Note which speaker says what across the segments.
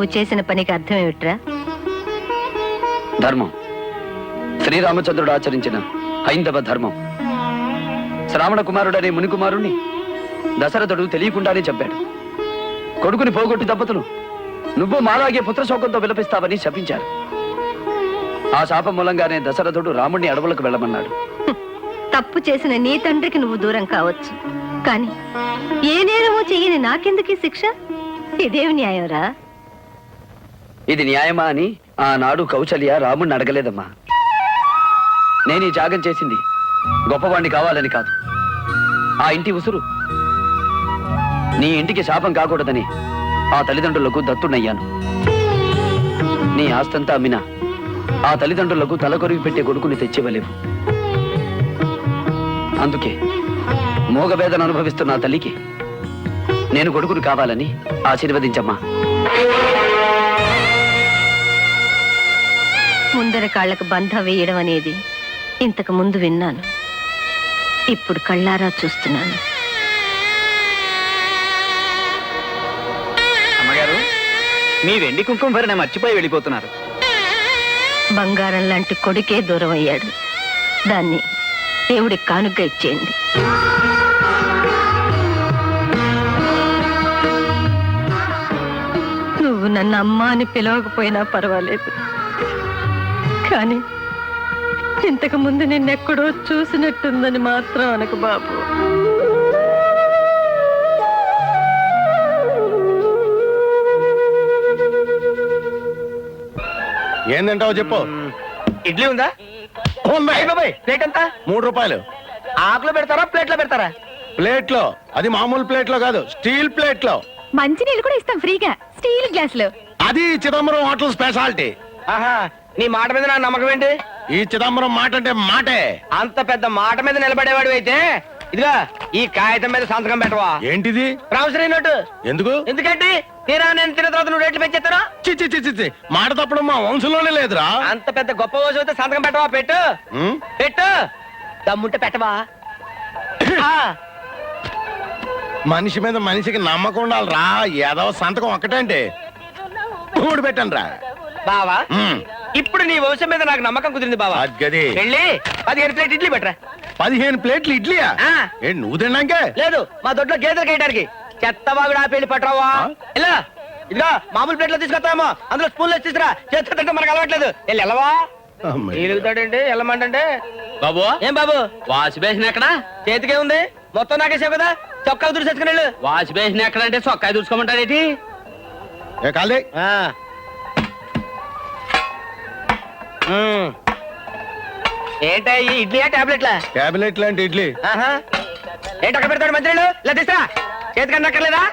Speaker 1: నువ్వు చేసిన పనికి అర్థం ఏమిట్రా?
Speaker 2: ధర్మం. శ్రీరామచంద్రుడు ఆచరించిన హైందవ ధర్మం. శ్రావణ కుమారుడనే మునికుమారుణ్ణి దశరథుడు తెలియకుండానే చెప్పాడు. కొడుకుని పోగొట్టి దంపతులు నువ్వు మాలాగే పుత్రశోకంతో విలపిస్తావని శపించారు. ఆ శాపం మూలంగానే దశరథుడు రాముణ్ణి అడవులకు వెళ్ళమన్నాడు.
Speaker 1: తప్పు చేసిన నీ తండ్రికి నువ్వు దూరం కావచ్చు, కానీ ఏ నేరమో చెయ్యని నాకెందుకీ శిక్ష? ఇదేమి న్యాయంరా?
Speaker 2: ఇది న్యాయమా అని ఆనాడు కౌశల్య రాముణ్ణి అడగలేదమ్మా. నేను ఈ త్యాగం చేసింది గొప్పవాణ్ణి కావాలని కాదు. ఆ ఇంటి ఉసురు నీ ఇంటికి శాపం కాకూడదని ఆ తల్లిదండ్రులకు దత్తునయ్యాను. నీ ఆస్తంతా అమ్మినా ఆ తల్లిదండ్రులకు తలకొరిగి పెట్టే కొడుకుని తెచ్చివ్వలేవు. అందుకే మోగవేదన అనుభవిస్తున్న ఆ తల్లికి నేను కొడుకుని కావాలని ఆశీర్వదించమ్మా.
Speaker 1: ముందర కాళ్లకు బంధ వేయడం అనేది ఇంతకు ముందు విన్నాను, ఇప్పుడు కళ్ళారా చూస్తున్నాను.
Speaker 3: అమ్మగారు, మీ వెండి కుంకుమ భరణ మర్చిపోయి వెళ్ళిపోతున్నారు.
Speaker 1: బంగారం లాంటి కొడుకే దూరం అయ్యాడు. దాన్ని దేవుడికి కానుగ్గా ఇచ్చేయండి. నువ్వు నన్ను అమ్మ అని పిలవకపోయినా పర్వాలేదు, కానీ ఇంతకు ముందు నిన్నెక్కడో చూసినట్టుందని మాత్రం అనకు బాబు.
Speaker 4: ఏందంటావు చెప్పు.
Speaker 3: ఇడ్లీ ఉందా? ప్లేట్ ఎంత?
Speaker 4: 3 రూపాయలు.
Speaker 3: ఆకులో పెడతారా ప్లేట్లో పెడతారా?
Speaker 4: ప్లేట్ లో. అది మామూలు ప్లేట్ లో కాదు, స్టీల్ ప్లేట్ లో.
Speaker 1: మంచి నీళ్ళు కూడా ఇస్తాం ఫ్రీగా, స్టీల్ గ్లాస్ లో.
Speaker 4: అది చిదంబరం హోటల్ స్పెషాలిటీ.
Speaker 3: ఆహా, నీ మాట మీద నా నమ్మకం ఏంటి?
Speaker 4: ఈ చిదంబరం మాట అంటే మాటే.
Speaker 3: అంత పెద్ద మాట మీద నిలబడేవాడు అయితే ఇదిగా ఈ కాగితం మీద సంతకం పెట్టవా?
Speaker 4: ఏంటిది?
Speaker 3: Promissory note.
Speaker 4: ఎందుకు?
Speaker 3: ఎందుకంటే తీరా నేను తిన్న తర్వాత నువ్వు రేట్లు పెంచేస్తాను.
Speaker 4: చిచ్చి చిచ్చి చిచ్చి, మాట తప్పడం మా వంశంలోనే లేదురా.
Speaker 3: అంత పెద్ద గొప్ప రోజు అయితే సంతకం పెట్టవా? పెట్టు పెట్టు, దమ్ముంటే పెట్టవా?
Speaker 4: మనిషి మీద మనిషికి నమ్మకం ఉండాలిరా. ఏదో సంతకం ఒక్కటంటే 3 పెట్టండి రా
Speaker 3: బావా. ఇప్పుడు నీ వంశం మీద నాకు నమ్మకం కుదిరింది బావా.
Speaker 4: గది
Speaker 3: వెళ్ళి 15 ప్లేట్ ఇడ్లీ పెట్టరా.
Speaker 4: 15 ప్లేట్లు ఇడ్లీయా? ఏంటి నువ్వు తిన్నాకే?
Speaker 3: లేదు, మా దొడ్లో గేదెలు కేయడానికి చెత్తవాగుడు ఆ పెళ్లి పట్టరావా? ఇలా ఇదిగా మామూలు ప్లేట్లో తీసుకొస్తామో, అందులో స్పూన్లో తీసుకురా. చేతితో తింటే మనకు అలవాట్లేదు. వెళ్ళి వెళ్ళవా? ఎలుగుతాడండి వెళ్ళమంటే. బాబు ఏం బాబు, వాష్ బేసిన్ ఎక్కడ? చేతికే ఉంది, మొత్తం నాకేసావు కదా. చొక్కా దుడిసేసుకుని వెళ్ళు. వాష్ బేసిన్ ఎక్కడ అంటే చొక్కా దుడుచుకోమంటాడేటి? ఏంటా ఈ ఇడ్లీయా టాబ్లెట్లా?
Speaker 4: టాబ్లెట్ లాంటి ఇడ్లీ.
Speaker 3: ఏంటి అక్కడ పెడతాడు మంత్రులు? ఇలా తీసుకురా. చేతికన్నా అక్కర్లేదా?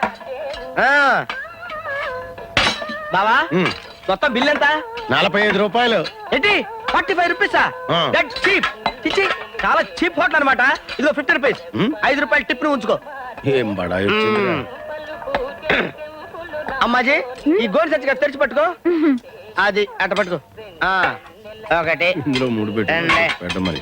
Speaker 3: బావా మొత్తం బిల్ ఎంత?
Speaker 4: 45 రూపాయలు.
Speaker 3: ఏంటి 45 రూపీసా? That cheap. చిచ్చి, చాలా చీప్ హోటల్ అనమాట. ఇదిగో 50 రూపీస్. 5 రూపాయలు టిప్ ను ఉంచుకో.
Speaker 4: ఏం బడా వచ్చింది.
Speaker 3: అమ్మాజీ ఈ గోల్డ్ సంచిగా తెరిచి పట్టుకో. అది అట్ట పట్టుకో. ఒకటి
Speaker 4: ఇందులో 3 పెట్ట మరి.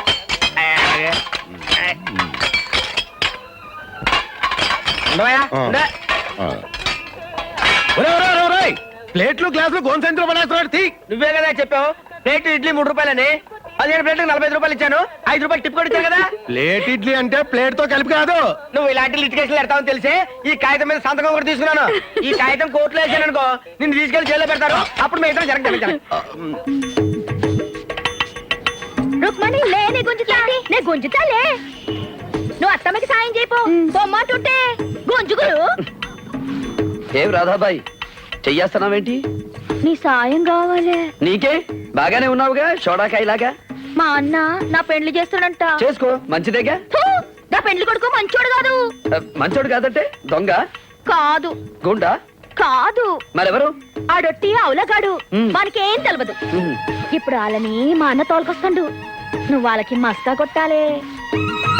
Speaker 4: ప్లేట్లు గ్లాసులు గోన్ సంచులు పడేస్తున్నాడు.
Speaker 3: నువ్వే కదా చెప్పావు ప్లేట్ ఇడ్లీ 3 రూపాయలని. 15 ప్లేట్లకు 45 రూపాయలు ఇచ్చాను. 5 రూపాయలు టిప్ కూడా ఇచ్చాను కదా.
Speaker 4: ప్లేట్ ఇడ్లీ అంటే ప్లేట్ తో కలిపి కాదు.
Speaker 3: నువ్వు ఇలాంటి లిటికేషన్లు పెడతావని తెలిసే ఈ కాగితం మీద సంతకం కూడా తీసుకున్నాను. ఈ కాగితం కోర్టులో వేసాను అనుకో, నిన్ను తీసుకెళ్లి జైల్లో పెడతారు. అప్పుడు మిగతా జరగదు.
Speaker 5: రుక్మణి లే, నే గుంజుతాలే, నే గుంజుతాలే. నువ్వు అత్తమ్మకి సాయం చేయపో. బొమ్మంటుంటే గుంజుగులు.
Speaker 2: ఏం రాధాబాయి చెయ్యేస్తున్నావేంటి?
Speaker 5: నీ సాయం కావాలే.
Speaker 2: నీకే బాగానే ఉన్నావుగా షోడాకాయలాగా.
Speaker 5: మా అన్న నా పెండ్లి చేస్తాడంట.
Speaker 2: చేసుకో, మంచిదేగా.
Speaker 5: నా పెండ్లి కొడుకు మంచోడు కాదు.
Speaker 2: మంచోడు కాదంటే దొంగ
Speaker 5: కాదు,
Speaker 2: గుండా
Speaker 5: కాదు.
Speaker 2: మరెవరు?
Speaker 5: ఆడొట్టి అవులగాడు. మనకేం తెలియదు. ఇప్పుడు వాళ్ళని మా అన్న తోలుకొస్తాడు. నువ్వు వాళ్ళకి మస్కా కొట్టాలే.